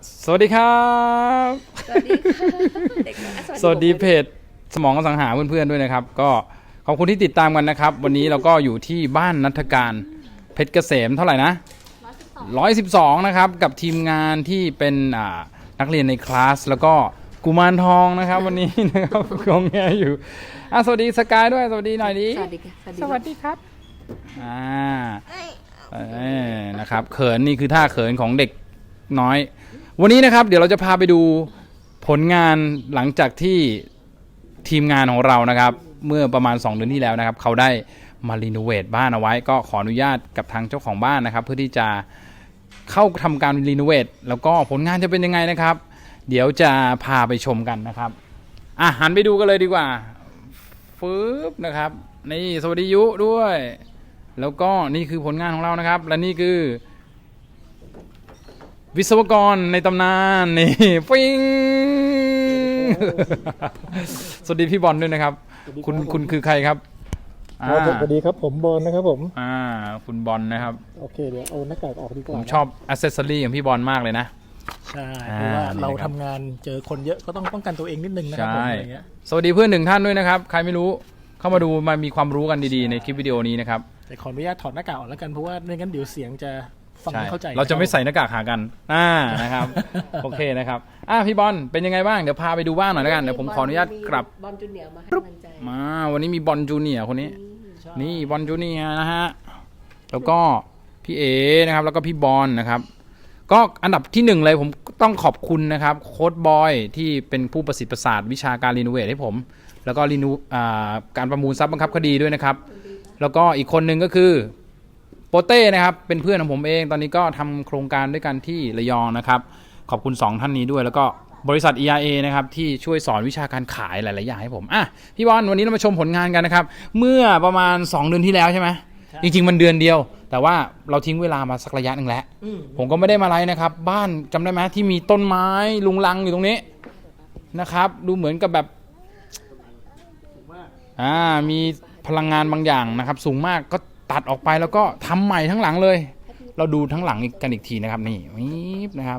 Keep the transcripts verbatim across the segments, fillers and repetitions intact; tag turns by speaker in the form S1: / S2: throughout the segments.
S1: สวัสดีครับ
S2: สวัสดีค่ะเด็กน้อย
S1: สวัสดีเพจสมองอสังหาเพื่อนๆด้วยนะครับ ก็ขอบคุณที่ติดตามกันนะครับ วันนี้เราก็อยู่ที่บ้านนัฐการเพชรเกษมเท่าไหร่นะร้อยสิบสองนะครับกับทีมงานที่เป็นอ่านักเรียนในคลาสแล้วก็กุมารทองนะครับ วันนี้นะครับกองแงอยู่อ่ะสวัสดีสกายด้วยสวัสดีหน่อยดิ
S2: สวัสดีค่ะ
S1: สวัสดีครับอ่าเอ้ยนะครับเขินนี่คือท่าเขินของเด็กน้อยวันนี้นะครับเดี๋ยวเราจะพาไปดูผลงานหลังจากที่ทีมงานของเรานะครับเมื่อประมาณสองเดือนที่แล้วนะครับเขาได้มารีโนเวทบ้านเอาไว้ก็ขออนุญาตกับทางเจ้าของบ้านนะครับเพื่อที่จะเข้าทำการรีโนเวทแล้วก็ผลงานจะเป็นยังไงนะครับเดี๋ยวจะพาไปชมกันนะครับอ่ะหันไปดูกันเลยดีกว่าฟืบนะครับนี่สวัสดียุด้วยแล้วก็นี่คือผลงานของเรานะครับและนี่คือวิศวกรในตำนานนี่ฟิง สวัสดีพี่บอลด้วยนะครับคุณคุณคือใครครับ
S3: สวัสดีครับผมบอลนะครับผม
S1: อ่าคุณบอลนะครับ
S3: โอเคเดี๋ยวเอาหน้ากากออกดีกว่า
S1: ผมชอบอัซเซสซอรี่ของพี่บอลมากเลยนะ
S3: ใช่เพราะว่าเราทำงานเจอคนเยอะก็ต้องป้องกันตัวเองนิดนึงนะครับผมอะไรเงี้ย
S1: สวัสดีเพื่อนหนึ่งท่านด้วยนะครับใครไม่รู้เข้ามาดูมามีความรู้กันดีๆในคลิปวิดีโอนี้นะครับ
S3: แต่ขออนุญาตถอดหน้ากากออกแล้วกันเพราะว่าไม่งั้นเดี๋ยวเสียงจะฟังไม่เข้าใจ
S1: เราจะไม่ใส่หน้ากากหากันอ่านะครับโอเคนะครับอ่ะพี่บอลเป็นยังไงบ้างเดี๋ยวพาไปดูบ้านหน่อยแล้วกันเดี๋ยวผมขออนุญาตกลับบ
S2: อลจูเนียร์มาให้กำลังใจ
S1: มาวันนี้มีบอลจูเนียร์คนนี้นี่บอลจูเนียร์นะฮะแล้วก็พี่เอนะครับแล้วก็พี่บอลนะครับก็อันดับที่หนึ่งเลยผมต้องขอบคุณนะครับโค้ชบอยที่เป็นผู้ประสิทธิ์ประสาทวิชาการรีโนเวทให้ผมแล้วก็รีโนการประมูลทรัพย์บังคับคดีด้วยนะครับแล้วก็อีกคนหนึ่งก็คือโปเต้นะครับเป็นเพื่อนของผมเองตอนนี้ก็ทำโครงการด้วยกันที่ระยองนะครับขอบคุณสองท่านนี้ด้วยแล้วก็บริษัท อี อาร์ เอ นะครับที่ช่วยสอนวิชาการขายหลายๆอย่างให้ผมอ่ะพี่บอลวันนี้เรามาชมผลงานกันนะครับเมื่อประมาณสองเดือนที่แล้วใช่ไหมจริงๆมันเดือนเดียวแต่ว่าเราทิ้งเวลามาสักระยะหนึ่งแล้วผมก็ไม่ได้มาไลฟ์นะครับบ้านจำได้ไหมที่มีต้นไม้ลุงลังอยู่ตรงนี้นะครับดูเหมือนกับแบบอ่ามีพลังงานบางอย่างนะครับสูงมากก็ตัดออกไปแล้วก็ทำใหม่ทั้งหลังเลยเราดูทั้งหลังกันอีกทีนะครับนี่วิบนะครับ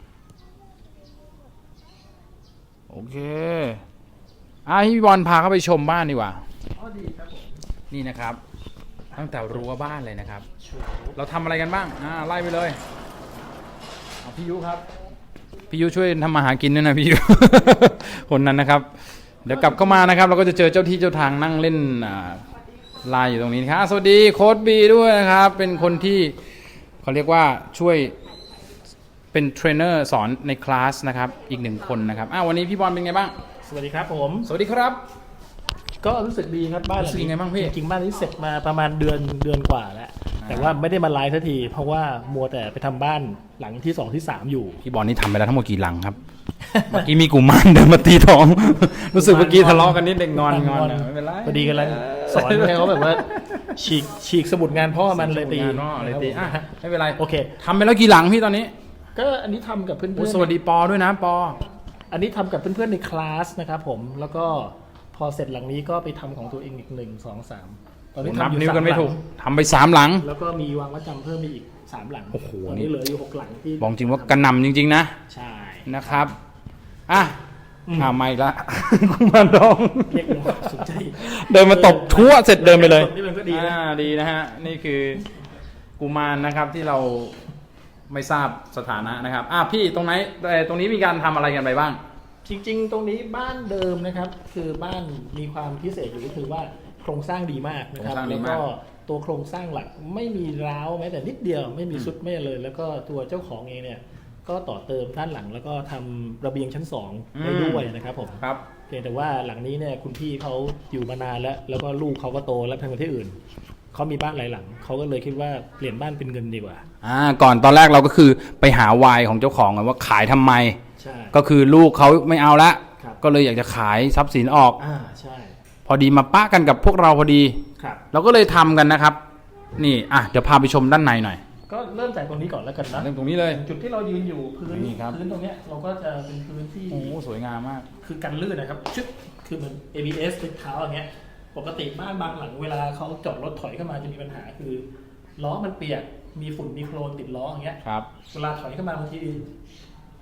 S1: โอเคอ่ะพี่บอลพาเข้าไปชมบ้านดีกว่านี่นะครับตั้งแต่รั้วบ้านเลยนะครับเราทำอะไรกันบ้างอ่าไล่ไปเลยเอาพี่ยุครับพี่ยุช่วยทำมาหากินด้วยนะพี่ยุ คนนั้นนะครับเดี๋ยวกลับเข้ามานะครับเราก็จะเจอเจ้าที่เจ้าทางนั่งเล่นอ่าไลน์อยู่ตรงนี้ครับสวัสดีโค้ชบีด้วยนะครับเป็นคนที่เขาเรียกว่าช่วยเป็นเทรนเนอร์สอนในคลาสนะครับอีกหนึ่งคนนะครับอ้าววันนี้พี่บอลเป็นไงบ้าง
S3: สวัสดีครับผม
S1: สวัสดีครับ
S3: ก็รู้สึกดีครับบ้านหลังนี้จริงๆบ้านนี้เสร็จมาประมาณเดือนเดือนกว่าแล้วแต่ว่าไม่ได้มาไลฟ์สักทีเพราะว่ามัวแต่ไปทำบ้านหลังที่สองที่สามอยู่
S1: พี่บอลนี่ทำไปแล้วทั้งหมดกี่หลังครับ เมื่อกี้มีกุมารเดินมาตีท้องรู้สึกเมื่อกี้ทะเลาะกันนิดเด็กงอนงอนไม่เป็นไร
S3: พอดีกันแล้วสอนให้เขาแบบว่าฉีกฉีกสมุดงานพ่อมันเลยตี
S1: เลยตีอ่ะไม่เป็นไรโอเคทำไปแล้วกี่หลังพี่ตอนนี้
S3: ก็อันนี้ทำกับเพื่อน
S1: ๆสวัสดีปอด้วยนะปอ
S3: อันนี้ทำกับเพื่อนๆในคลาสนะครับผมแล้วก็พอเสร็จหลังนี้ก็ไปทำของตัวเองอีกหนึ่งสองสาม
S1: ตอนนี้ทำนิ้วกันไม่ถูกทำไปสามหลัง
S3: แล้วก็มีวางมัดจำเพิ่มไปอีกสามหลังตอนนี้เหลืออยู่หกหลังที่
S1: บอกจริงว่ากระหน่ำจริงๆนะ
S3: ใช่
S1: นะครับอ่ะอ่าไม่ละกุมารทอง
S3: เรียกสนใจ
S1: เดินมาตบทั่วเสร็จเดินไปเลยนี่มันก็ดีนะดีนะฮะนี่คือกุมารนะครับที่เราไม่ทราบสถานะนะครับอ่ะพี่ตรงไหนตรงนี้มีการทำอะไรกันไปบ้าง
S3: จริงๆตรงนี้บ้านเดิมนะครับคือบ้านมีความพิเศษอยู่ก็คือว่าโครงสร้างดีมากนะครับแล้วก็ตัวโครงสร้างหลักไม่มีร้าวแม้แต่นิดเดียวไม่มีซุดไม่เลยแล้วก็ตัวเจ้าของเองเนี่ยก็ต่อเติมด้านหลังแล้วก็ทำระเบียงชั้นสองได้ด้วยนะครับผม
S1: ครับ
S3: เพียงแต่ว่าหลังนี้เนี่ยคุณพี่เขาอยู่มานานแล้วแล้วก็ลูกเขาก็โตแล้วทำงานที่อื่นเขามีบ้านหลายหลังเขาก็เลยคิดว่าเปลี่ยนบ้านเป็นเงินดีกว่า
S1: อ่าก่อนตอนแรกเราก็คือไปหาวายของเจ้าของว่าขายทำไม
S3: ใช่
S1: ก็คือลูกเขาไม่เอาละก็เลยอยากจะขายทรัพย์สินออก
S3: อ่าใช่
S1: พอดีมาปะกันกับพวกเราพอดี
S3: ครับ
S1: เราก็เลยทำกันนะครับนี่อ่ะเดี๋ยวพาไปชมด้านในหน่อย
S3: ก็เริ่มจากตรงนี้ก่อนแล้วกันนะ
S1: เริ่มตรงนี้เลย
S3: จุดที่เรายืนอยู่พื้นพื้นตรงนี้เราก็จะเป็นพื้นที่
S1: โอ้สวยงามมาก
S3: คือกันลื่นนะครับชึบคือเหมือน เอ บี เอส เป็นเท้าอย่างเงี้ยปกติบ้านบางหลังเวลาเขาจอดรถถอยเข้ามาจะมีปัญหาคือล้อมันเปียกมีฝุ่นมีโคลนติดล้ออย่างเงี้ย
S1: ครับ
S3: เวลาถอยเข้ามาบางที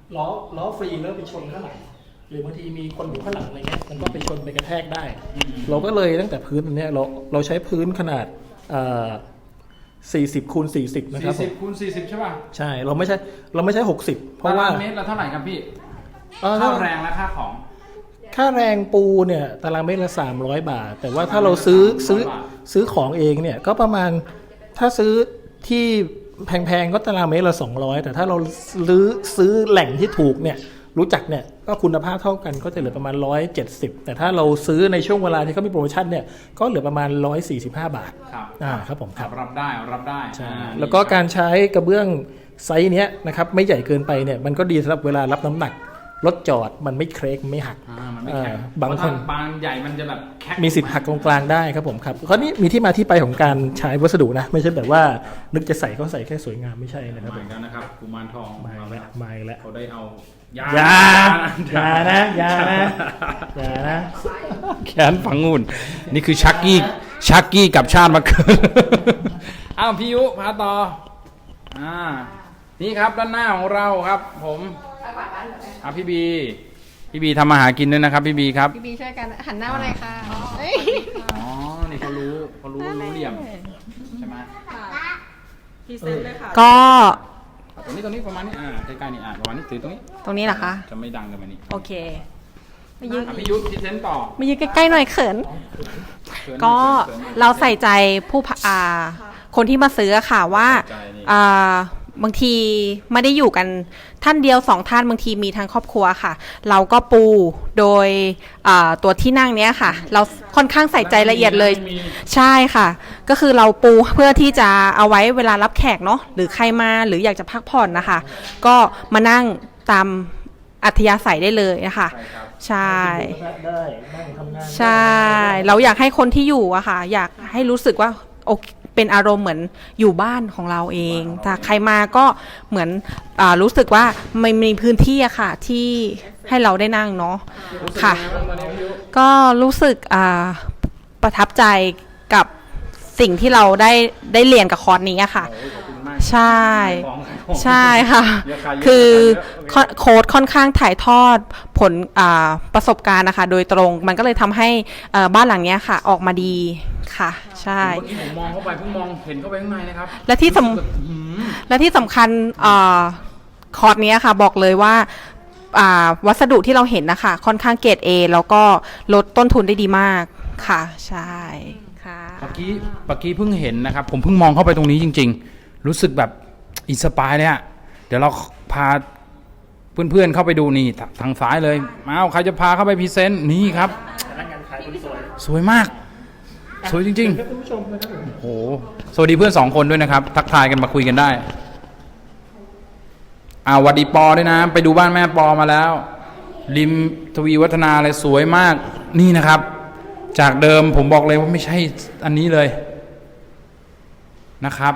S3: ล้อล้อฟรีแล้วไปชนข้างหลังหรือบางทีมีคนอยู่ข้างหลังอะไรเงี้ยมันก็ไปชนไปกระแทกได้ เราก็เลยตั้งแต่พื้นอันเนี้ยเราเราใช้พื้นขนาดสี่สิบคูณสี่สิบนะครับ
S1: สี่สิบคูณสี่สิบใช่ป่ะ
S3: ใช่เราไม่ใช่เราไม่ใช่หกสิบเพราะว่า
S1: ตารางเมตรละเท่าไหร่ครับพี่
S3: เอ่อ
S1: ค่าแรงและค่าของ
S3: ค่าแรงปูเนี่ยตารางเมตรละสามร้อยบาท แต่ว่าถ้าเราซื้อซื้อซื้อของเองเนี่ยก็ประมาณถ้าซื้อที่แพงๆก็ตารางเมตรละสองร้อยแต่ถ้าเราซื้อซื้อแหล่งที่ถูกเนี่ยรู้จักเนี่ยก็คุณภาพเท่ากันก็จะเหลือประมาณหนึ่งร้อยเจ็ดสิบแต่ถ้าเราซื้อในช่วงเวลาที่เขามีโปรโมชั่นเนี่ยก็เหลือประมาณหนึ่งร้อยสี่สิบห้าบาท
S1: ครับ
S3: อ่าครับผมครับ
S1: รับได้รับได้
S3: ใช่
S1: อ่า
S3: แล้วก็การใช้กระเบื้องไซส์เนี้ยนะครับไม่ใหญ่เกินไปเนี่ยมันก็ดีสำหรับเวลารับน้ำหนักรถจอดมันไม่เครกไม่หัก
S1: อ่ามันไม่แข็ง
S3: อ่าบางคน
S1: เพระถ้บางใหญ่มันจะแบบแข็ง
S3: มีสิทธิ์หักตรงกลางได้ครับผมครับคราวนี้มีที่มาที่ไปของการใช้วัสดุนะไม่ใช่แบบว่านึกจะใส่ก็ใส่แค่สวยงามไม่ใช่นะครับ
S1: เห
S3: ผ
S1: มือ
S3: ม
S1: นกันนะครับกุมารทอง
S3: มาอีกแล้วมาอีกแล้ว
S1: เขาได้เอายา
S3: อย่าอย่านะอย่านะอย่านะ
S1: แขนฝังงูนนี่คือชักกี้ชักกี้กับชาติมาเกิน อ้าวพี่ยุพาต่ออ่านี่ครับด้านหน้าของเราครับ ผมอ่ะพี่บีพี่บีทำมาหากินด้วยนะครับ พี่บีครับ
S2: พี่บีช่วยกันหันหน้ามาหน่อยค่ะเอ้ย
S1: อ๋อนี่เขารู้เขารู้รู้เหลี่ยมใช่ไหม
S4: พรีเซนต์เลยค่ะ
S2: ก็
S1: ตรงนี้ตรงนี้ประมาณนี้อ่าใกล้ๆนี่อ่าประมาณนี้ถือตรงนี้
S2: ตรงนี้เหรอคะ
S1: จะไม่ดังกันมานี่
S2: โอเคมายืน
S1: อ่ะพี่ยุทธพรีเซนต์ต่อ
S2: มายืนใกล้ๆหน่อยเขิน
S1: เชิญ
S2: ก็
S1: เชิญ
S2: เราใส่ใจผู้พะอ่าคนที่มาซื้อค่ะว่า
S1: ใส่ใจนี่
S2: อ่าบางทีไม่ได้อยู่กันท่านเดียวสองท่านบางทีมีทั้งครอบครัวค่ะ เราก็ปูโดยอ่าตัวที่นั่งเนี้ยค่ะ เราค่อนข้างใส่ใจละเอียดเลย ใช่ค่ะ ก็คือเราปูเพื่อที่จะเอาไว้เวลารับแขกเนาะหรือใครมาหรืออยากจะพักผ่อนนะคะ ก็มานั่งตามอัธยาศัยได้เลยนะคะ ใช่
S3: ได้นั่งทำงาน
S2: ใช่ เราอยากให้คนที่อยู่อะค่ะ อยากให้รู้สึกว่าโอเคเป็นอารมณ์เหมือนอยู่บ้านของเราเองถ้าใครมาก็เหมือนอารู้สึกว่าไม่มีพื้นที่อะค่ะ ที่ให้เราได้นั่งเนาะค่ะ ก็รู้สึกอ่าประทับใจกับสิ่งที่เราได้ได้เรียนกับคอร์สนี้อะค่ะ ใช่ ใช่ค่ะ คือโค้ดค่อนข้างถ่ายทอดผลประสบการณ์นะคะโดยตรงมันก็เลยทำให้บ้านหลังนี้ค่ะออกมาดีค่ะใช่
S1: เมื่อกี้ผมมองเข้าไปเพิ่งมองเห็นเข้าไปข้างในนะครับ
S2: และที่สำและที่สำคัญคอร์สนี้ค่ะบอกเลยว่าวัสดุที่เราเห็นนะคะค่อนข้างเกรด A แล้วก็ลดต้นทุนได้ดีมากค่ะใช่ค่ะ
S1: เมื่อกี้เมื่อกี้เพิ่งเห็นนะครับ ผมเพิ่งมองเข้าไปตรงนี้จริง ๆ รู้สึกแบบอินสปายเลยอะเดี๋ยวเราพาเพื่อนๆเข้าไปดูนี่ทางซ้ายเลยมาเอาใครจะพาเข้าไปพรีเซนต์นี่ครับ
S3: พนักงานขายคนสวย
S1: สวยมาก สวยจริง
S3: ครับท่านผู้ชมนะครับผม
S1: ๆโอ้โหสวัสดีเพื่อนสองคนด้วยนะครับ ทักทายกันมาคุยกันได้อ่าหวัดดีปอด้วยนะ ไปดูบ้านแม่ปอมาแล้ว ริมทวีวัฒนาเลยสวยมากนี่นะครับ จากเดิมผมบอกเลยว่าไม่ใช่อันนี้เลยนะครับ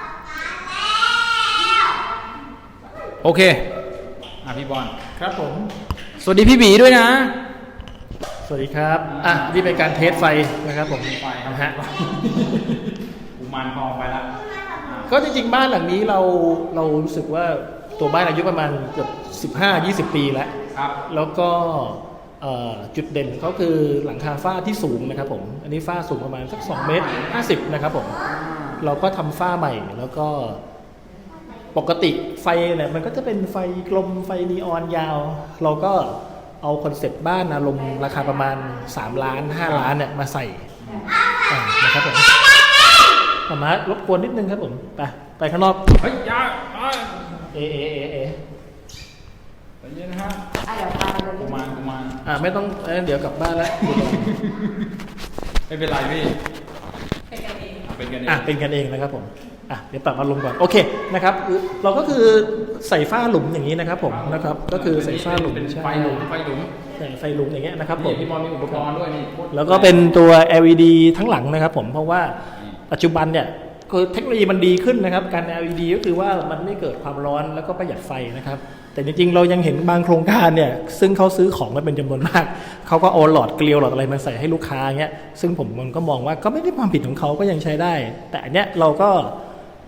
S1: โอเคอ่ะพี่บอล
S3: ครับผม
S1: สวัสดีพี่บีด้วยนะ
S3: สวัสดีครับอ่ะนี่เป็นการเทสไฟนะครับผม
S1: ไฟครับ
S3: นะฮะ
S1: กุมารทองไปแล้ว
S3: ก็จริงๆบ้านหลังนี้เราเรารู้สึกว่าตัวบ้านอายุประมาณเกือบสิบห้ายี่สิบปีแล้ว
S1: ครับ
S3: แล้วก็เอ่อจุดเด่นเขาคือหลังคาฝ้าที่สูงนะครับผมอันนี้ฝ้าสูงประมาณสักสองเมตรห้าสิบนะครับผมเราก็ทำฝ้าใหม่แล้วก็ปกติไฟเนี่ยมันก็จะเป็นไฟกลมไฟนีออนยาว เราก็เอาคอนเซ็ปต์บ้านอารมณ์ราคาประมาณสามล้านห้าล้านเนี่ยมาใส่อ่านะครับผมมามารบกวนนิดนึงครับผมไปไปข้างนอก
S1: เฮ้ยอยาเอ้ย
S3: เอเอเอเอ
S1: ใจเย็นนะฮะ
S2: อ่ะเดี๋ยวพาไป
S1: กุ
S2: ดู
S1: มารกุมาร
S3: อ่าไม่ต้องเอ้ยเดี๋ยวกลับบ้านแล้ว
S1: ไม่เป็นไรพี่เป็นกันเอง
S3: อ่ะเป็นกันเองนะครับผมอ่ะเดี๋ยวปรับอารมณ์ก่อนโอเคนะครับเราก็คือใส่ฝ้าหลุมอย่างนี้นะครับผมนะครับก็คือใส่ฝ้าหลุม
S1: เป็น
S3: ใช่
S1: ไฟหลุมไฟหลุม
S3: ใส่ไฟหลุมอย่างเงี้ยนะครับผ
S1: นี่
S3: ม
S1: พี่บอลมีอุปกรณ์ด้วยนี่
S3: แล้วก็เป็นตัว แอล อี ดี ทั้งหลังนะครับผมเพราะว่าปัจจุบันเนี่ยคือเทคโนโลยีมันดีขึ้นนะครับการ แอล อี ดี ก็คือว่ามันไม่เกิดความร้อนแล้วก็ประหยัดไฟนะครับแต่จริงๆเรายังเห็นบางโครงการเนี่ยซึ่งเขาซื้อของมาเป็นจำนวนมากเขาก็เอาหลอดเกลียวหลอดอะไรมาใส่ให้ลูกค้าเงี้ยซึ่งผมมันก็มองว่าก็ไม่ได้ความผิดของเขาก็ยังใช้ได้ แต่อันเนี้ยเราก็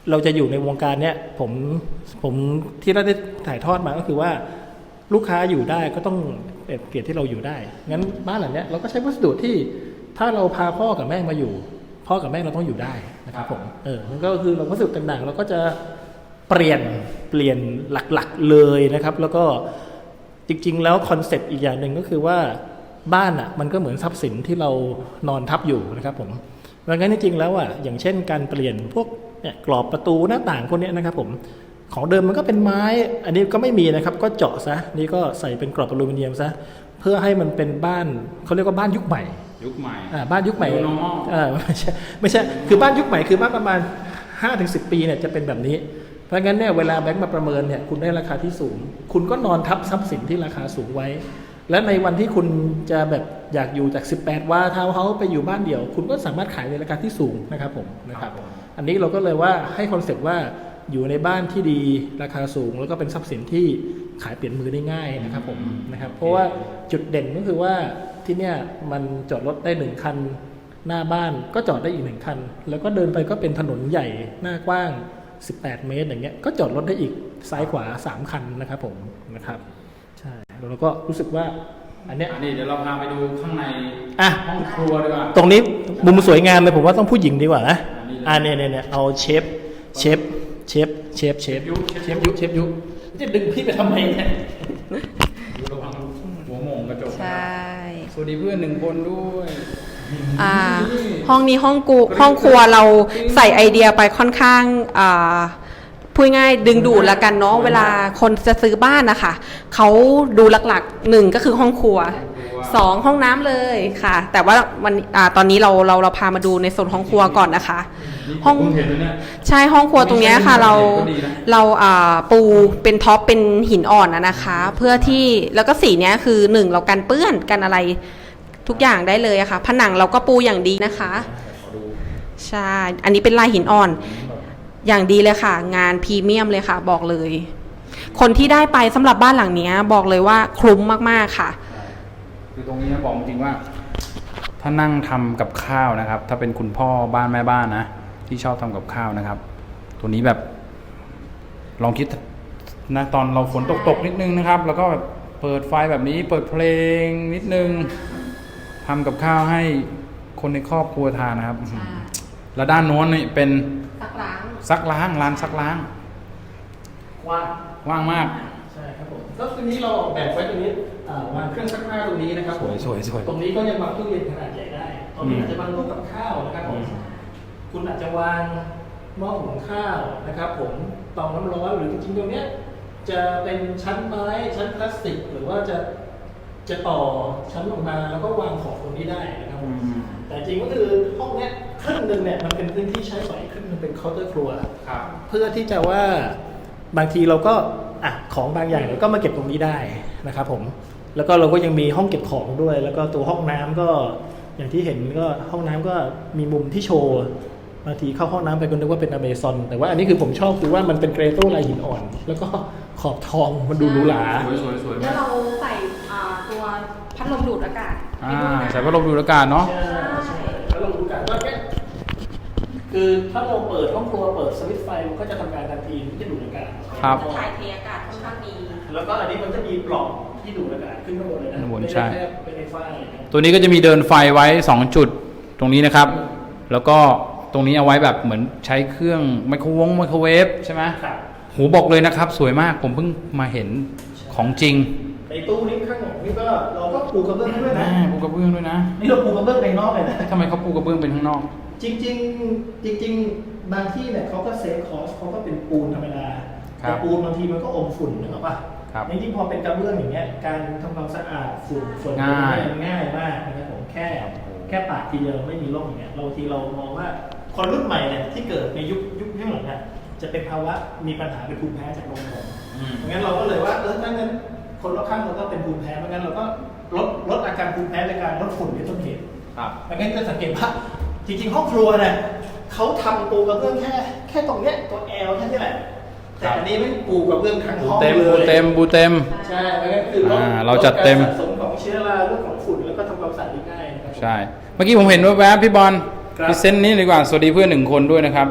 S3: เราจะอยู่ในวงการเนี้ยผมผมที่เราได้ถ่ายทอดมาก็คือว่าลูกค้าอยู่ได้ก็ต้องเกียรติที่เราอยู่ได้งั้นบ้านหลังเนี้ยเราก็ใช้วัสดุที่ถ้าเราพาพ่อกับแม่มาอยู่พ่อกับแม่เราต้องอยู่ได้นะครับผมเออมันก็คือเราวัสดุต่างๆเราก็จะเปลี่ยนเปลี่ยนหลักๆเลยนะครับแล้วก็จริงๆแล้วคอนเซ็ปต์อีกอย่างหนึ่งก็คือว่าบ้านอ่ะมันก็เหมือนทรัพย์สินที่เรานอนทับอยู่นะครับผมดังนั้นจริงๆแล้วอ่ะอย่างเช่นการเปลี่ยนพวกเนี่ยกรอบประตูหน้าต่างพวกนี้นะครับผมของเดิมมันก็เป็นไม้อันนี้ก็ไม่มีนะครับก็เจาะซะนี่ก็ใส่เป็นกรอบอลูมิเนียมซะเพื่อให้มันเป็นบ้านเขาเรียกว่าบ้านยุคใหม่
S1: ยุคใหม่
S3: อ่าบ้านยุคใหม่
S1: New normal
S3: อ่าไม่ใช่ไม่ใช่คือบ้านยุคใหม่คือบ้านประมาณ ห้าถึงสิบ ปีเนี่ยจะเป็นแบบนี้เพราะงั้นเนี่ยเวลาแบงค์มาประเมินเนี่ยคุณได้ราคาที่สูงคุณก็นอนทับทรัพย์สินที่ราคาสูงไว้และในวันที่คุณจะแบบอยากอยู่จากสิบแปดวาทาวน์เฮาส์ไปอยู่บ้านเดี่ยวคุณก็สามารถขายในราคาที่สูงนะครับผมนะครับอันนี้เราก็เลยว่าให้คอนเซ็ปต์ว่าอยู่ในบ้านที่ดีราคาสูงแล้วก็เป็นทรัพย์สินที่ขายเปลี่ยนมือได้ง่ายนะครับผมนะครับเพราะว่าจุดเด่นก็คือว่าที่เนี่ยมันจอดรถได้หนึ่งคันหน้าบ้านก็จอดได้อีกหนึ่งคันแล้วก็เดินไปก็เป็นถนนใหญ่หน้ากว้างสิบแปดเมตรอย่างเงี้ยก็จอดรถได้อีกซ้ายขวาสามคันนะครับผมนะครับใช่แล้วเราก็รู้สึกว่าอันเนี้ย
S1: อันนี้เดี๋ยวเราพาไปดูข้างใน
S3: อ่ะ
S1: ห้องครัวดีกว่า
S3: ตรงนี้มุมสวยงามเลยผมว่าต้องผู้หญิงดีกว่านะอ่าเนี่ยเนี่ยเนี่ยเอาเชฟเชฟเชฟเชฟเชฟยุเชฟยุเชฟยุจะดึงพี่ไปทำไมเนี่ย
S1: ดูระวังหัวโมงกระจก
S2: ใช่
S1: สวัสดีเพื่อนหนึ่งคนด้วย
S2: อ่าห้องนี้ห้องกูห้องครัวเราใส่ไอเดียไปค่อนข้างอ่าพูดง่ายดึงดูดละกันเนาะเวลาคนจะซื้อบ้านนะคะเขาดูหลักๆหนึ่งก็คือห้องครัวสองห้องน้ำเลยค่ะ แต่ว่าวันอ่าตอนนี้เราเราเราพามาดูในส่วนห้องครัวก่อนนะคะ ห้องใช่ห้องครัวตรงนี้ค่ะเราเราอ่าปูเป็นท็อปเป็นหินอ่อนนะนะคะ เพื่อที่แล้วก็สีเนี้ยคือหนึ่งเรากันเปื้อนกันอะไรทุกอย่างได้เลยอะค่ะผนังเราก็ปูอย่างดีนะคะใช่อันนี้เป็นลายหินอ่อนอย่างดีเลยค่ะงานพรีเมียมเลยค่ะบอกเลยคนที่ได้ไปสำหรับบ้านหลังนี้บอกเลยว่าคุ้มมากๆค่ะ
S1: คือตรงนี้นะบอกจริงว่าถ้านั่งทำกับข้าวนะครับถ้าเป็นคุณพ่อบ้านแม่บ้านนะที่ชอบทำกับข้าวนะครับตัวนี้แบบลองคิดนะตอนเราฝนตกๆนิดนึงนะครับแล้วก็เปิดไฟแบบนี้เปิดเพลงนิดนึงทำกับข้าวให้คนในครอบครัวทานนะครับแล้วด้านโน้นนี่เป็น
S2: ซักล้าง
S1: ซักล้างร้านซักล้าง
S3: ว่าง
S1: ว่างมาก
S3: ใช่ครับผมก็ตรงนี้เราออกแบบไว้ตรงนี้วางเครื่องซักผ้าตรงนี้นะครับ
S1: สวยสวยสวย
S3: ตรงนี้ก็ยังวางตู้เย็นขนาดใหญ่ได้ตรงนี้อาจจะวางโต๊ะกับข้าวนะครับผมคุณอาจจะวางหม้อหุงข้าวนะครับผมเตาน้ำร้อนหรือจริงๆตรงเนี้ยจะเป็นชั้นไม้ชั้นพลาสติกหรือว่าจะจะต่อชั้นลงมาแล้วก็วางของตรงนี้ได้นะครับผมแต่จริงก็คือห้องเนี้ยครึ่งหนึ่งเนี่ยมันเป็นพื้นที่ใช้สอยครึ่งหนึงเป็นเคาน์เตอร์ครัวเพื่อที่จะว่าบางทีเราก็อ่ะของบางอย่างเราก็มาเก็บตรงนี้ได้นะครับผมแล้วก็เราก็ยังมีห้องเก็บของด้วยแล้วก็ตัวห้องน้ำก็อย่างที่เห็นก็ห้องน้ำก็มีมุมที่โชว์บางทีเข้าห้องน้ำไปก็นึกว่าเป็นอเมซอนแต่ว่าอันนี้คือผมชอบคือว่ามันเป็นเกรโต้ลายหินอ่อนแล้วก็ขอบทองมันดูหรูหรา
S1: สวยสวยสวย
S2: แล้วเราใส่ตัวพัดลมดูดอากาศ
S1: ใส่พัดลมดูดอากาศเนาะ
S3: ใช่พัดลมดูดอากาศว่าแค่คือถ้าเราเปิดห้องครัวเปิดสวิตช์ไฟมันก็จะทำงานทันทีที่จะดูดอากาศ
S1: ครับ
S2: ถ่ายเทอากาศค่อนข้างดี
S3: แล้วก็อันนี้มันจะมีปล่องที่ดูดอากาศขึ้นข้างบนเลยนะ
S1: ไม่ใช่แค่
S3: เป็นไฟฟ้า
S1: ตัวนี้ก็จะมีเดินไฟไว้สองจุดตรงนี้นะครับแล้วก็ตรงนี้เอาไว้แบบเหมือนใช้เครื่องไมโครวงไมโครเวฟใช่ไหม
S3: ครับ
S1: หูบอกเลยนะครับสวยมากผมเพิ่งมาเห็นของจริง
S3: ในตู้นี้ข้างหลังนี่ก็เราก็ปูกระเบื้องด้วยนะ
S1: ปูกระเบื้องด้วยนะ
S3: นี่เราปูกระเบื้องในนอกเลยนะ
S1: ทำไมเขาปูกระเบื้องเป็นข้างนอก
S3: จริงจริงจริงๆบางที่เนี่ยเขาก็เซฟคอสเขาก็เป็นปูนธรรมดาแต่ปูนบางทีมันก็อมฝุ่นนึกออกป่ะจริงๆพอเป็นกระเบื้องอย่างเงี้ยการทำความสะอาดฝุ่นฝุ่นง่ายง่ายมากนะครับผมแค่แค่ปาดทีเดียวไม่มีร่องอย่างเงี้ยเราทีเรามองว่าคนรุ่นใหม่เนี่ยที่เกิดในยุคยุคยุคหลังเนี่ยจะเป็นภาวะมีปัญหาเป็นภูมิแพ้จากนมผงงั้นเราก็เลยว่าเออถ้างั้นคนรอบข้างเราก็เป็นภูมิแพ้เพราะงั้นเราก็ลดลดอาการภูมิแพ้ในการลดฝุ่นเป็นต้นเหตุ
S1: ครับ
S3: งั้นจะสังเกตว่าจริงๆห้องครัวเนี่ยเขาทำปูกระเบื้องแค่แค่ตรงเนี้ยตัวแอลแค่นี้แหละแต่อันนี้ไม่ปูกระเบื้องทั้งห้องเลย
S1: บูเต็มบูเต็ม
S3: ใช่งั้นคือ
S1: เราจัดเต็ม
S3: สะสมของเชื้อราเรื่องของฝุ่นแล้วก็ทำความสะอาดง่าย
S1: ใช่เมื่อกี้ผมเห็นว่าแวบพี่บอลพิเศษนี้ดีกว่าสวัสดีเพื่อนหนึ่งคนด้วยนะครับ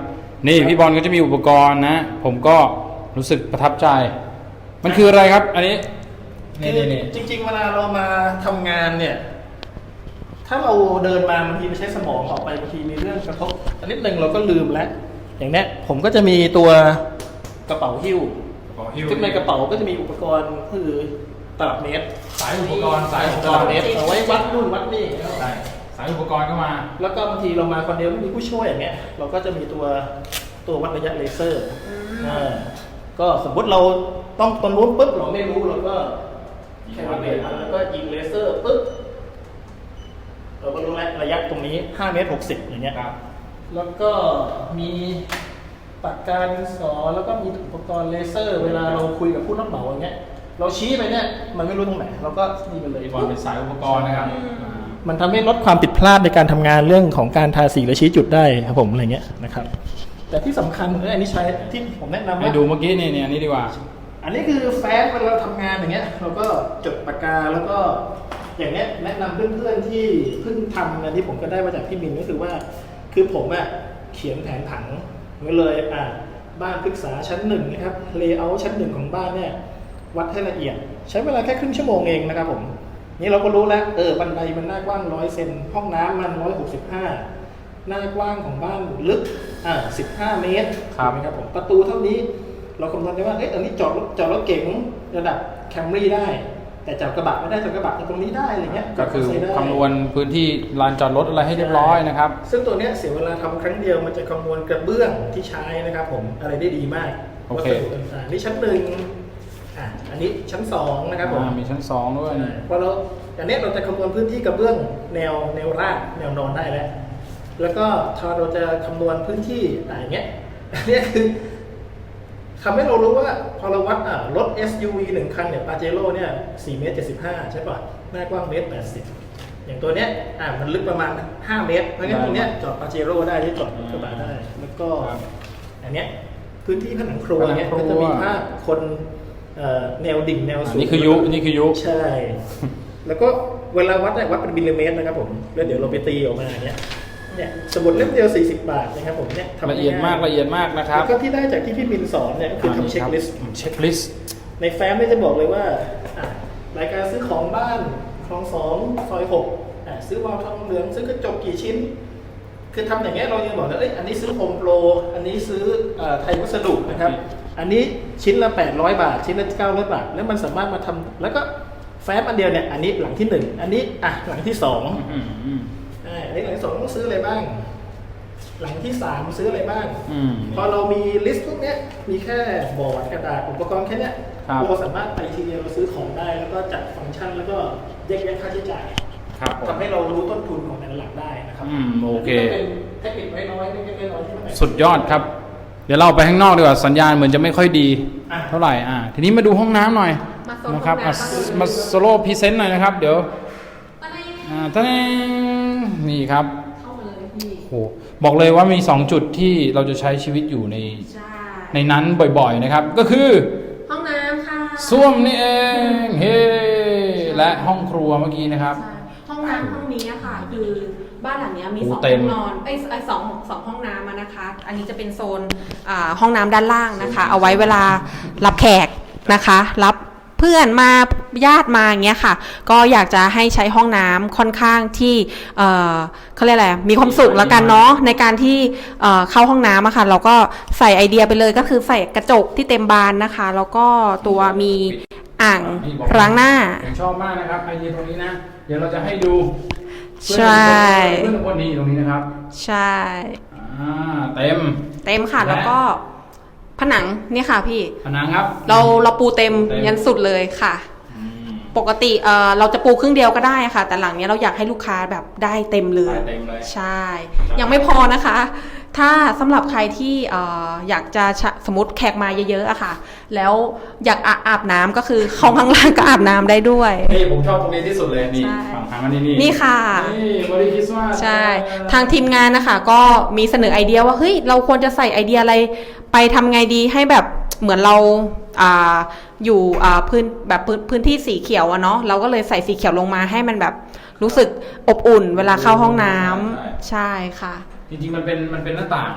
S1: นี่พี่บอลก็จะมีอุปกรณ์นะ ผมก็รู้สึกประทับใจ มันคืออะไรครับ อันนี้
S3: คื
S1: นี่
S3: อ
S1: นี่
S3: จริง ๆ เวลาเรามาทำงานเนี่ย ถ้าเราเดินมาบางทีไปใช้สมองออกไปบางทีมีเรื่องกระทบอันนิดนึงเราก็ลืมแล้ว อย่างเนี้ยผมก็จะมีตัวกระเป๋าหิ้วซึ่งในกระเป๋าก็จะมีอุปกรณ์คือตลับเมตร
S1: สายอุปกรณ์สายอุป
S3: ต
S1: ก
S3: ลั
S1: ร
S3: บ
S1: ณ์
S3: เมตรเอาไว้วัดนู่นวัดนี่
S1: ใช่สายอุปกรณ์ก็มา
S3: แล้วก็บางทีเรามาคนเดียวไม่มีผู้ช่วยอย่างเงี้ยเราก็จะมีตัวตัววัดระยะเลเซอร์อ่าก็สมมติเราต้องตอนนู้นปุ๊บเราไม่รู้เราก็แค่วัดเลยแล้วก็ยิงเลเซอร์ปุ๊บเราก็รู้แล้วระยะตรงนี้ห้าเมตรหกสิบอย่างเงี้ย
S1: ครับ
S3: แล้วก็มีปากกาดินสอแล้วก็มีอุปกรณ์เลเซอร์ เวลาเราคุยกับผู้รับเหมาอย่างเงี้ยเราชี้ไปเนี่ยมันไม่รู้ตรงไหนเราก็นี่ไปเลย
S1: พี่บอลเป็นสายอุปกรณ์นะครับ
S3: มันทำให้ลดความผิดพลาดในการทำงานเรื่องของการทาสีและชี้จุดได้ครับผมอะไรเงี้ยนะครับแต่ที่สำคัญเลยอันนี้ใช้ที่ผมแนะนำ
S1: ให้
S3: ว่า
S1: ดูเมื่อกี้นี่นี่อันนี้ดีกว่า
S3: อันนี้คือแฟ้มเวลาเราทำงานอย่างเงี้ยเราก็จดปากกาแล้วก็อย่างเนี้ยแนะนำเพื่อนๆที่เพิ่งทำนะที่ผมก็ได้มาจากพี่มินก็คือว่าคือผมอะเขียนแผนผังไว้เลยอ่ะบ้านพฤกษาชั้นหนึ่งนะครับเลเยอร์ชั้นหนึ่งของบ้านเนี่ยวัดให้ละเอียด ใช้เวลาแค่ครึ่งชั่วโมงเองนะครับผมนี่เราก็รู้แล้วเออบันไดมันหน้ากว้างร้อยเซนห้องน้ำมันร้อยหกสิบห้าหน้ากว้างของบ้านลึกอ่าสิบห้าเมตร
S1: ครับ
S3: ถูกไหมครับผมประตูเท่านี้เราคำนวณได้ว่าเอ๊ะอันนี้จอดรถจอดรถเก๋งระดับแคมรี่ได้ แต่จอดกระบะไม่ได้จอดกระบะตรงนี้ได้อะไรเงี้ย
S1: ก็คือ
S3: ใช้ได้
S1: คำนวณพื้นที่ลานจอดรถอะไรให้เรียบร้อยนะครับ
S3: ซึ่งตัวเนี้ยเสียเวลาทำครั้งเดียวมันจะคำนวณกระเบื้องที่ใช้นะครับผมอะไรได้ดีมาก
S1: โอเค
S3: วัสดุต่างๆนี่ชั้นหนึ่งอ่ะอันนี้ชั้นสองนะครับผม
S1: อ่ามีชั้นสองด้วยนี่
S3: พอเราอันเนี้ยเราจะคำนวณพื้นที่กระเบื้องแนวแนวราบแนวนอนได้แล้ว แล้วก็พอเราจะคำนวณพื้นที่อ่ะอย่างเงี้ยอันเนี้ยคือทำให้เรารู้ว่าพอเราวัดอ่ะรถ เอส ยู วี หนึ่งคันเนี่ยปาเจโร่เนี่ยสี่เมตรเจ็ดสิบห้าใช่ป่ะหน้ากว้างเมตรแปดสิบอย่างตัวเนี้ยอ่ะมันลึกประมาณห้าเมตรเพราะงั้นตรงเนี้ยจอดปาเจโร่ได้ที่จอดรถกระบะได้ แล้วก็อันเนี้ยพื้นที่ผนังครัวเนี้ยก็จะมีภาพคนเอ่อแนวดิ่งแนวสูง
S1: นี่คือยุนี่คือยุ
S3: ใช่ แล้วก็เวลาวัดเนี่ยวัดเป็นมิลลิเมตรนะครับผมแล้วเดี๋ยวเราไปตีออกมาอย่างเงี้ยเนี่ยสมุดเล่มเดียวสี่สิบบาทนะครับผมเนี่ยทำ
S1: ละเอียดมากละเอียดมากนะครับ
S3: แล้วก็ที่ได้จากที่พี่มินสอนเนี่ยก็คือทำเช็คลิสต์
S1: เช็คลิสต์
S3: ในแฟ้มเนี่ยจะบอกเลยว่าอ่ะรายการซื้อของบ้านคลองสองซอยหกอ่ะซื้อวาล์วทองเหลืองซื้อกระจกกี่ชิ้น คือทำอย่างเงี้ยเรายังบอกเลยเอ้ยอันนี้ซื้อโฮมโปรอันนี้ซื้อเอ่อไทยวัสดุนะครับ อันนี้ชิ้นละแปดร้อยบาท ชิ้นละเก้าร้อยบาท แล้วมันสามารถมาทำแล้วก็แฟ้มอันเดียวเนี่ยอันนี้หลังที่หนึ่งอันนี้อ่ะหลังที่สอง
S1: อืมอืม
S3: อ่าอันนี้หลังที่สองต้องซื้ออะไรบ้าง หลังที่สามซื้ออะไรบ้าง
S1: อืม
S3: พอเรามีลิสต์พวกเนี้ยมีแค่บอร์ดกระดาษอุปกรณ์แค่เนี้ย
S1: ครับ
S3: เราสามารถไปทีเดียวเราซื้อของได้ แล้วก็จัดฟังก์ชันแล้วก็แยกแยะค่าใช้จ่าย
S1: ครับผม
S3: ทำให้เรารู้ต้นทุนของแต่ละหลักได้นะครับ
S1: อืมโอเค
S3: นนี้ก็เป็นเทคนิคน้อยๆเล็กๆน้อยๆที่มัน
S1: สุดยอดครับ เดี๋ยวเราไปข้างนอกดีกว่าสัญญาณเหมือนจะไม่ค่อยดี
S3: อ่ะ
S1: เท่าไหร่อ่าทีนี้มาดูห้องน้ำหน่อย
S4: มาโซน
S1: นะครับ
S4: ห้อง
S1: อ่ะ
S4: น้ำบ้าง
S1: มาโซโล่พรีเซนต์หน่อยนะครับ เดี๋ยว
S4: มาเลย
S1: อ่าท่านนี่ครับ
S4: เข้ามาเลยพี่
S1: โหบอกเลยว่ามีสองจุดที่เราจะใช้ชีวิตอยู่ใน
S4: ใช่
S1: ในนั้นบ่อยๆนะครับ ก็คือ
S4: ห้องน้ำค่ะ
S1: ส้วมนี่เองเฮ้และห้องครัวเมื่อกี้นะครับ
S4: ใช่ห้องน้ำห้องนี้อะค่ะ คือบ้านหลังเนี้ยมี
S1: โอ้
S4: สอง
S1: เต็
S4: ห้
S1: ม
S4: องนอนเอ้ยเอ้ยสองสองห้องน้ำอะนะคะ อันนี้จะเป็นโซนอ่าห้องน้ำด้านล่างนะคะ เอาไว้เวลารับแขกนะคะ รับเพื่อนมาญาติมาอย่างเงี้ยค่ะ ก็อยากจะให้ใช้ห้องน้ำค่อนข้างที่เอ่อเขาเรียกอะไรมีความสุขแล้วกันเนาะในการที่เอ่อเข้าห้องน้ำอะค่ะ เราก็ใส่ไอเดียไปเลยก็คือใส่กระจกที่เต็มบานนะคะ แล้วก็ตัวมีอ่างล้างหน้า
S1: ผมชอบมากนะครับไอเดียตรงนี้นะ เดี๋ยวเราจะให้ดู
S4: ใช่
S1: เพื่อนคนนี้ตรงนี้นะครับ
S4: ใช่
S1: อ่าเต็ม
S4: เต็มค่ะ
S1: และ
S4: แล้วก็ผนังเนี่ยค่ะพี่
S1: ผนังครับ
S4: เราเราปูเต็ม
S1: เต็ม
S4: ยันสุดเลยค่ะ
S1: อืม
S4: ปกติเอ่อเราจะปูครึ่งเดียวก็ได้ค่ะ แต่หลังเนี้ยเราอยากให้ลูกค้าแบบได้เต็มเลย
S1: ได้เต็มเลย
S4: ใช่ ยังไม่พอนะคะ ถ้าสำหรับใครที่เอ่ออยากจะชะสมมติแขกมาเยอะๆอะค่ะ แล้วอยากอาอาบน้ำก็คือห้องข้างล่างก็อาบน้ำได้ด้วย
S1: นี่ผมชอบตรงนี้ที่สุดเลยนี่
S4: ใช่
S1: ฝั่งทางมานี่นี่
S4: นี่ค่ะ
S1: นี่บริคริสต์มาส
S4: ใช่ ทางทีมงานนะคะก็มีเสนอไอเดียว่าเฮ้ยเราควรจะใส่ไอเดียอะไรไปทำไงดีให้แบบเหมือนเราอ่าอยู่อ่าพื้นแบบพื้นพื้นที่สีเขียวอะเนาะเราก็เลยใส่สีเขียวลงมาให้มันแบบรู้สึกอบอุ่นเวลาเข้าห้องน้ำใช่ค่ะ
S1: จริงๆมันเป็นมันเป็นหน้าต่าง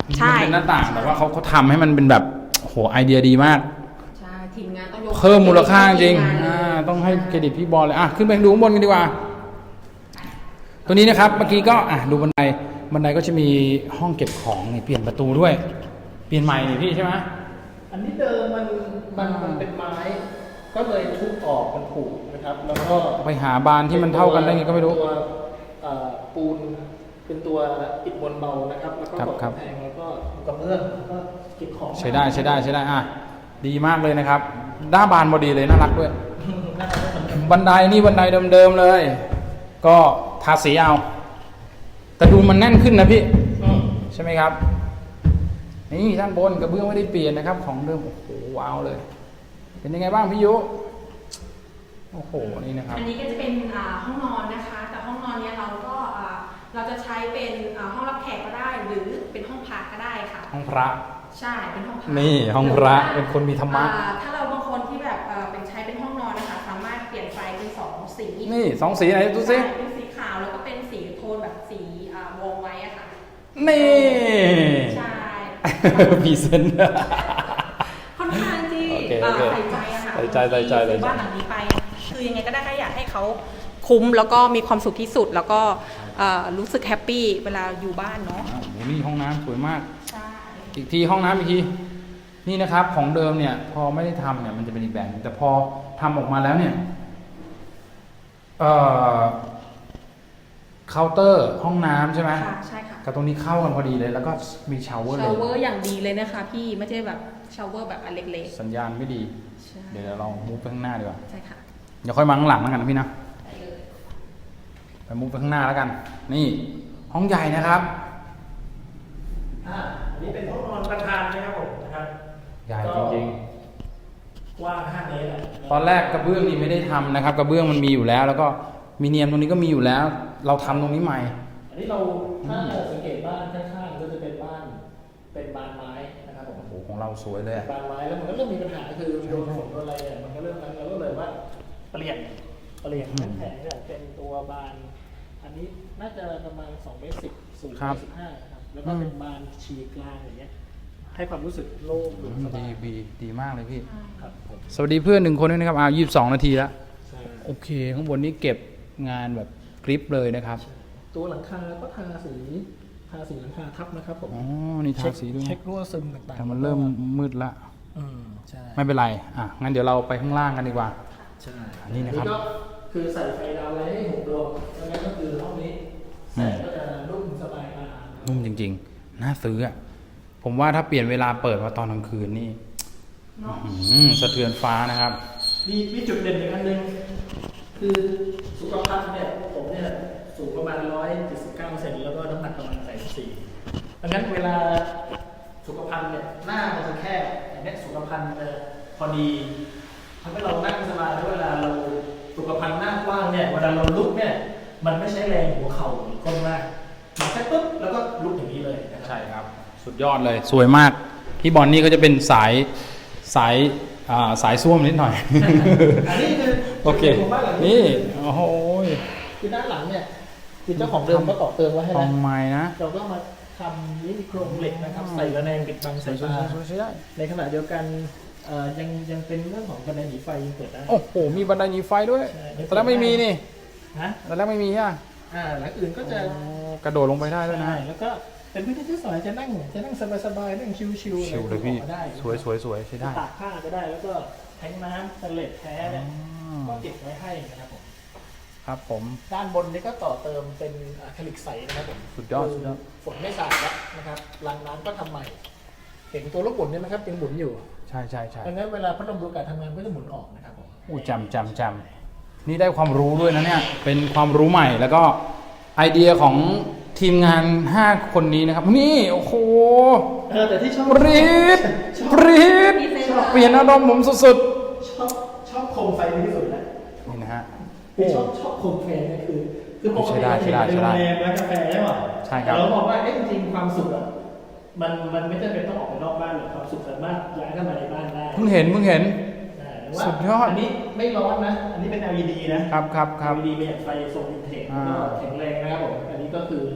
S4: ใช่
S1: มันเป็นหน้าต่างแต่ว่าเขาเขาทำให้มันเป็นแบบโอ้โหไอเดียดีมาก
S4: ใช่ทีมงานต้องยก
S1: เพิ่มมูลค่าจริง
S4: ทีมน
S1: อ่าต้องให้เครดิตพี่บอลเลยอ่ะขึ้นไปดูข้างบนกันดีกว่า ตัวนี้นะครับเมื่อกี้ก็อ่ะดูบันไดบันไดก็จะมีห้องเก็บของนี่เปลี่ยนประตูด้วย เปลี่ยนใหม่นี่พี่ใช่ไหม
S3: อันนี้เดิมมันมันมันเป็นไม้ ก็เลยทุบออกมันผุนะครับ แล้วก็
S1: ไปหาบานที่มันเท่ากันได้ไงก็ไม่รู้
S3: เป็นตัวเอ่อปูนเป็นตัวอิฐมวลเบานะครับแล้วก็
S1: ครับ
S3: กด
S1: ครับ
S3: กำแพงแล้วก็กระเบื้องแล้วก็เก็บของ
S1: ใช้ได้ใช้ได้ใช้ได้อ่ะดีมากเลยนะครับหน้าบานพอดีเลยน่ารักด้วย
S3: น่าจะเหมือนกัน
S1: บันไดนี่บันไดเดิมๆเลย ก็ทาสีเอาแต่ดูมันแน่นขึ้นนะพี่
S3: อืม
S1: ใช่ไหมครับ นี่ด้านบนกระเบื้องไม่ได้เปลี่ยนนะครับ ของเดิมโอ้โหว้าวเลย เป็นยังไงบ้างพี่ยุโอ้โหนี่นะครับ
S4: อันนี้ก็จะเป็นอ่าห้องนอนนะคะ แต่ห้องนอนเนี้ยเราก็อ่าเราจะใช้เป็นอ่าห้องรับแขกก็ได้ หรือเป็นห้องพักก็ได้ค่ะ
S1: ห้องพระ
S4: ใช่เป็นห้องพัก
S1: นี่ห้องพระเป็นคนมีธรรมะ
S4: อ่าถ้าเราบางคนที่แบบเอ่อเป็นใช้เป็นห้องนอนนะคะ สามารถเปลี่ยนไฟเป็นสองสี
S1: นี่สองสีไหนดูสิ
S4: ใช่เป็นสีขาวแล้วก็เป็นสีโทนแบบสีอ่าวงไว้อะค่ะ
S1: นี่
S4: ใช่
S1: พีเซน
S4: ค่อนข้างที่
S1: โอเค
S4: เอ่อ
S1: โอเค
S4: ใส่ใจอะค่ะ
S1: ใส่ใจใส่ใจ
S4: ที่ซื้อบ้านหลังนี้ไป คือยังไงก็ได้ก็อยากให้เขาคุ้มแล้วก็มีความสุขที่สุด แล้วก็เอ่อรู้สึกแฮปปี้เวลาอยู่บ้านเนาะ
S1: โอ้โหนี่ห้องน้ำสวยมาก
S4: ใช่
S1: อีกทีห้องน้ำอีกที นี่นะครับของเดิมเนี่ย พอไม่ได้ทำเนี่ยมันจะเป็นอีกแบบนึงแต่พอทำออกมาแล้วเนี่ยเอ่อเคาน์เตอร์ห้องน้ำใช่ไหม
S4: ค่ะใช่ค่ะ
S1: กับตรงนี้เข้ากันพอดีเลย แล้วก็มีชาวเวอร์เล
S4: ชาวย เวอร์อย่างดีเลยนะคะพี่ไม่ใช่แบบชาวเวอร์แบบอันเล็ก
S1: สัญญาณไม่ดี
S4: ๆ ใช่
S1: เดี๋ยวเรามูฟไปข้างหน้าดีกว่า
S4: ใช่ค่ะ
S1: เดี๋ยวค่อยมาข้างหลังแล้วกันนะพี่นะ
S4: ได้เลย
S1: ไปมูฟไปข้างหน้าแล้วกัน นี่ห้องใหญ่นะครับ
S3: อ่าอันนี้เป็นห้องนอนประธานนะครับผมนะครับ
S1: ใหญ่จริง
S3: กว้างห้าเมตรอะ
S1: ๆ ตอนแรกกระเบื้องนี่ไม่ได้ทำนะครับ กระเบื้องมันมีอยู่แล้ว แล้วก็มีเนียมตรงนี้ก็มีอยู่แล้ว เราทำตรงนี้ใหม่
S3: อันนี้เราถ้าสังเกตบ้านข้างๆก็จะเป็นบ้านเป็นบานไม้นะครับผม
S1: โอ้โหของเราสวยเลยอะ
S3: บานไม้แล้วมันก็เริ่มมีปัญหาคือโดนฝนโดนอะไรเนี่ยมันก็เริ่มนั้นเราก็เลยว่าเปลี่ยนเปลี่ยนแผงเนี่ยเป็นตัวบาน อันนี้น่าจะประมาณสองเมตรสิบสูงสิบห้านะครับแล้วก็เป็นบานฉีกกลางอย่างเงี้ยให้ความรู้สึกโล่ง
S1: อืม
S3: สบา
S1: ดี
S3: ย
S1: ดีดีมากเลยพี่
S3: ครับผม
S1: สวัสดีเพื่อนหนึ่งคนด้วยนะครับอ้าวยี่สิบสองนาทีแล้ว
S3: ใช่
S1: โอเค ข้างบนนี้เก็บงานแบบกริปเลยนะครับ
S3: ตัวหลังคาก็ทาสีทาสีหลังคาทับนะครับผม
S1: อ๋อ นี่ทาสีด้วย
S3: เช็ครั่วซึมต่างๆ
S1: แต่มันเริ่มมืดละ
S3: อืมใช่
S1: ไม่เป็นไร อ่ะ งั้นเดี๋ยวเราไปข้างล่างกันดีกว่า
S3: ใช่
S1: อันนี้นะครับ
S3: ก็คือใส่ไฟดาวไว้ให้หกดวงแล้วนั้นก็คือห้องนี้แสงก็จะนุ่มสบายตา
S1: นุ่มจริงๆ น่าซื้ออ่ะ ผมว่าถ้าเปลี่ยนเวลาเปิดมาตอนกลางคืนนี่
S3: เนาะ
S1: อื้อหือสะเทือนฟ้านะครับ
S3: มีมีจุดเด่นอีกอันหนึ่งคือสุขภาพเนี่ยผมเนี่ยสูงประมาณร้อยเจ็ดสิบเก้าเซนแล้วก็น้ำหนักประมาณแปดสิบสี่ดังนั้นเวลาสุขภัณฑ์เนี่ยหน้ามันจะแคบอย่างเนี้ยสุขภัณฑ์จะพอดีทำให้เรานั่งสบายแล้วเวลาเราสุขภัณฑ์หน้ากว้างเนี่ยเวลาเราลุกเนี่ยมันไม่ใช้แรงหัวเข่าหรือก้นมากมันแค่ปุ๊บแล้วก็ลุกอย่างนี้เลยนะครับ
S1: ใช่ครับ สุดยอดเลย สวยมาก พี่บอลนี่ก็จะเป็นสาย สาย อ่า สายส้วมนิดหน่อย
S3: อันนี้คือ
S1: โอเค
S3: จุดของบ้านหลัง
S1: นี่ โอ้โห
S3: คือด้านหลังเนี่ยคือเจ้าของเดิมก็ต่อเติมไว้ให้
S1: ทอ
S3: นะ
S1: งไม้นะ
S3: เราก็มาทำนี่โครงเหล็กนะครับ ใส่ระแนงปิดบังสายตา
S1: สวยๆใช้ได้
S3: ในขณะเดียวกันเอ่อยังยังเป็นเรื่องของบันไดหนีไฟยังเปิดได้
S1: โอ้โห มีบันไดหนีไฟด้วย
S3: ใช่
S1: แต่แล้วไม่มีนี่
S3: ฮะ
S1: แต่แล้วไม่มีอ่ะ
S3: อ่าหลังอื่นก็จะ
S1: โอ้กระโดดลงไปได้ด้วยนะ
S3: ใช่แล้วก็เป็นพื้นที่ที่สวยจะนั่งจะนั่งสบายๆนั่งชิวๆ
S1: ชิลเลยพี่
S3: ออกมาได้
S1: สวยสวยสวยใช้ได้
S3: ตากผ้าก็ได้แล้วก็แทงน้ำสเลดแท้เนี่ย
S1: อ๋อ
S3: ก็เก็บไว้ให้นะครับผม
S1: ครับผม
S3: ด้านบนนี้ก็ต่อเติมเป็นอะคริลิกใสนะครับผม
S1: สุดยอดสุดยอด
S3: ฝนไม่สาดแล้วนะครับรางน้ำก็ทำใหม่ เห็นตัวลูกหมุนเนี่ยนะครับยังหมุนอยู่
S1: ใช่ใช่ใช่
S3: ดังนั้นเวลาพัดลมดูดอากาศทำงานก็จะหมุนออกนะครับผม
S1: อู้จำจำจำนี่ได้ความรู้ด้วยนะเนี่ย เป็นความรู้ใหม่แล้วก็ไอเดียของทีมงานห้าคนนี้นะครับ นี่ โอ้โห
S3: เออแต่ที่ชอบ
S1: ปรีดปรีดเปลี่ยนอารมณ์ผมสุด
S3: ชอบชอบโคมไฟที่สุดนะ
S1: ๆนี่นะฮะ
S3: คือชอบชอบโคมไฟเนี่ยคือคือปก
S1: ใช่
S3: ติ
S1: ได้
S3: เรา
S1: ใช่
S3: เห็น
S1: ได้
S3: ในโรงแรมร้านกาแฟใช่ป่ะ
S1: ใช่ครับ
S3: เราบอกว่าเอ๊ะจริงๆความสุขอ่ะมันมันไม่จำเป็นต้องออกไปนอกบ้านหรอกความสุขสามารถย้ายเข้ามาในบ้านได้
S1: เพิ่งเห็นเพิ่งเห็น
S3: ใช่แต่ว่า
S1: สุดยอด
S3: อันนี้ไม่ร้อนนะ อันนี้เป็น แอล อี ดี นะครับ
S1: ครับครับ
S3: แอล อี ดี เป็นไฟทรงวินเทจ
S1: อ่า
S3: ก็แข็งแรงนะครับผมอันนี้ก็คือ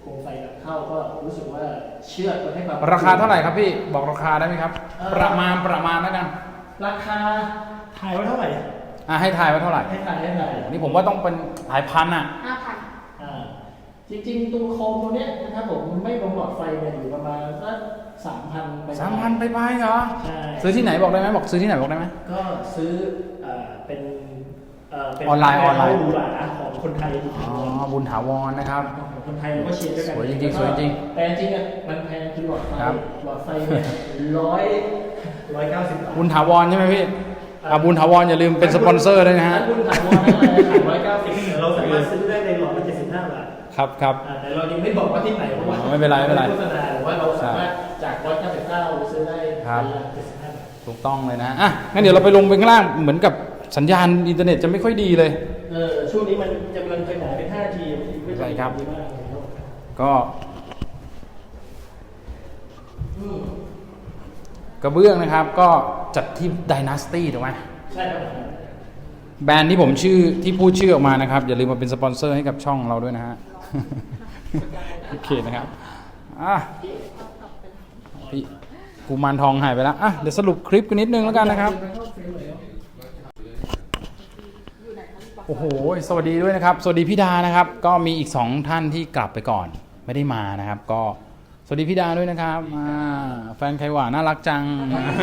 S3: โคมไฟนำเข้าก็รู้สึกว่าเชื่อดมันให้ความ
S1: ราคาเท่าไหร่ครับพี่บอกราคาได้ไหมครับ ประมาณประมาณแล้วกัน
S3: ราคาทายว่าเท่าไหร่
S1: อ่ะให้ทายว่าเท่าไหร่
S3: ให้ทายให้ทาย
S1: นี่ผมว่าต้องเป็นหลายพันอ่ะ
S4: ห้าพัน
S3: อ่าจริงๆตัวโคมตัวเนี้ยนะครับผมไม่ลงหลอดไฟเนี่ยอยู่ประมาณสักสามพันไป
S1: สามพันไปไปเหรอ
S3: ใช่
S1: ซื้อที่ไหนบอกได้ไหมบอกซื้อที่ไหนบอกได้ไหม
S3: ก็ซื้อเอ่อเป็นเอ่อเป็น
S1: ออนไลน์ออนไลน์
S3: หรูหราของคนไทย
S1: อ๋อบุญถาวรนะครับ
S3: ของคนไทยเราก็เชียร์ด้วยกัน
S1: สวยจริงๆสวยจริง
S3: แต่จริงๆอ่ะมันแพงคือหลอดไฟ
S1: ครับ
S3: หลอดไฟเนี่ยร้อยร้อยเก้าสิบบาท
S1: บุญถาวรใช่ไหมพี่อ่ะบุญถาวรอย่าลืมเป็นสปอนเซอร์ด้วยนะฮะ
S3: บุญถาวรนั่นแหละร้อยเก้าสิบเราสามารถซื้อได้ในหลอดละเจ็ดสิบห้าบาท
S1: ครับครับ
S3: อ่าแต่เรายังไม่บอกว่าที่ไหนเพราะว่า
S1: อ๋อไม่เป็นไรไม่เป็นไร
S3: โฆษณาหรือว่าเราสามารถจากร้อยเก้าสิบเก้าซื้อได้
S1: ครับ
S3: ในราคาเจ็ดสิบห้าบาท
S1: ถูกต้องเลยนะอ่ะงั้นเดี๋ยวเราไปลงไปข้างล่างเหมือนกับสัญญาณอินเทอร์เน็ตจะไม่ค่อยดีเลย
S3: เออช่วงนี้มันจะกำลังขยายเป็น ห้าจี
S1: ใช่ครับ
S3: ดีมากเลยครับ
S1: ก็กระเบื้องนะครับ ก็จัดที่ Dynasty ถูกไหม
S3: ใช่ครับ
S1: แบรนด์ที่ผมชื่อที่พูดชื่อออกมานะครับ อย่าลืมมาเป็นสปอนเซอร์ให้กับช่องเราด้วยนะฮะ โอเคนะครับอ่ะพี่กุมารทองหายไปแล้วอ่ะเดี๋ยวสรุปคลิปกันนิดนึงแล้วกันนะครับ โอ้โหสวัสดีด้วยนะครับ สวัสดีพี่ดานะครับ ก็มีอีกสองท่านที่กลับไปก่อนไม่ได้มานะครับ ก็สวัสดีพี่ดาด้วยนะครับอ่าแฟนใครหวานน่ารักจัง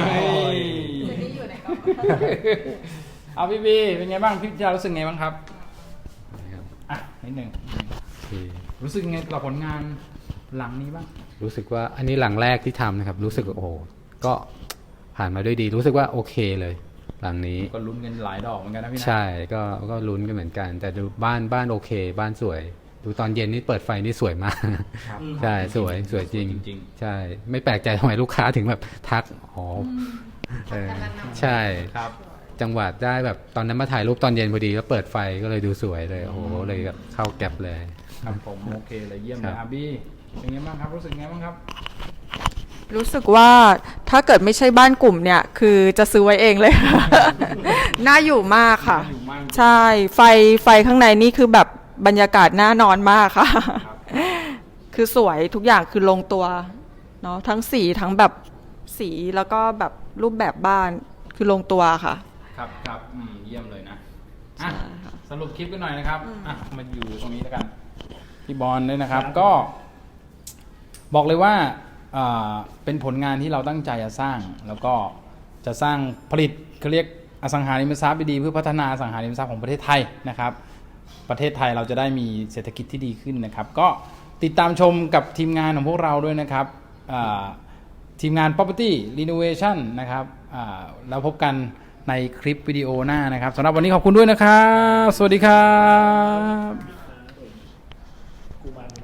S1: เอาพี่บีเป็นไงบ้างพี่ดารู้สึกไงบ้างครับอ่ะนิดหนึ่ง
S5: โอเค
S1: รู้สึกไงกับผลงานหลังนี้บ้าง
S5: รู้สึกว่าอันนี้หลังแรกที่ทำนะครับ รู้สึกว่าโอ้โหก็ผ่านมาด้วยดี รู้สึกว่าโอเคเลย หลังนี้
S1: ก็ลุ้นกันหลายดอกเหมือนกันนะพี่นะ
S5: ใช่ก็ก็ลุ้นกันเหมือนกัน แต่ดูบ้านบ้านโอเค บ้านสวย ดูตอนเย็นนี่เปิดไฟนี่สวยมาก
S1: ครับ
S5: ใช่สวยสวยจริง
S1: จริง
S5: ใช่ ไม่แปลกใจทำไมลูกค้าถึงแบบทักอ๋อเออใช่
S1: ครับ
S5: จังหวะได้แบบตอนนั้นมาถ่ายรูปตอนเย็นพอดีก็เปิดไฟก็เลยดูสวยเลยโอ้โหเลยแบบเข้าแก็บเลย
S1: ครับผมโอเคเลยเยี่ยมเลย
S5: ครับ
S1: อาบี้เป็นไงบ้างครับรู้สึกไงบ้างครับ
S6: รู้สึกว่าถ้าเกิดไม่ใช่บ้านกลุ่มเนี่ยคือจะซื้อไว้เองเลย น่าอยู่มากค่ะ
S1: น่าอยู่มาก
S6: ใช่ไฟไฟข้างในนี่คือแบบบรรยากาศน่านอนมากค่ะ คือสวยทุกอย่างคือลงตัวเนาะทั้งสีทั้งแบบสีแล้วก็แบบรูปแบบบ้านคือลงตัวค่ะ
S1: ครับครับอืมเยี่ยมเลยนะ
S6: ใช่
S1: อ่ะ
S6: ค่ะ
S1: สรุปคลิปกันหน่อยนะครับอ่ะมาอยู่ตรงนี้แล้วกันพี่บอลด้วยนะครับ ก็ บอกเลยว่าอ่าเป็นผลงานที่เราตั้งใจจะสร้าง แล้วก็จะสร้างผลิตเขาเรียกอสังหาริมทรัพย์ดีๆเพื่อพัฒนาอสังหาริมทรัพย์ของประเทศไทยนะครับ ประเทศไทยเราจะได้มีเศรษฐกิจที่ดีขึ้นนะครับ ก็ติดตามชมกับทีมงานของพวกเราด้วยนะครับอ่าทีมงาน Property Renovation นะครับอ่าแล้วพบกันในคลิปวิดีโอหน้านะครับสำหรับวันนี้ขอบคุณด้วยนะครับ สวัสดีครับ
S3: กุมาร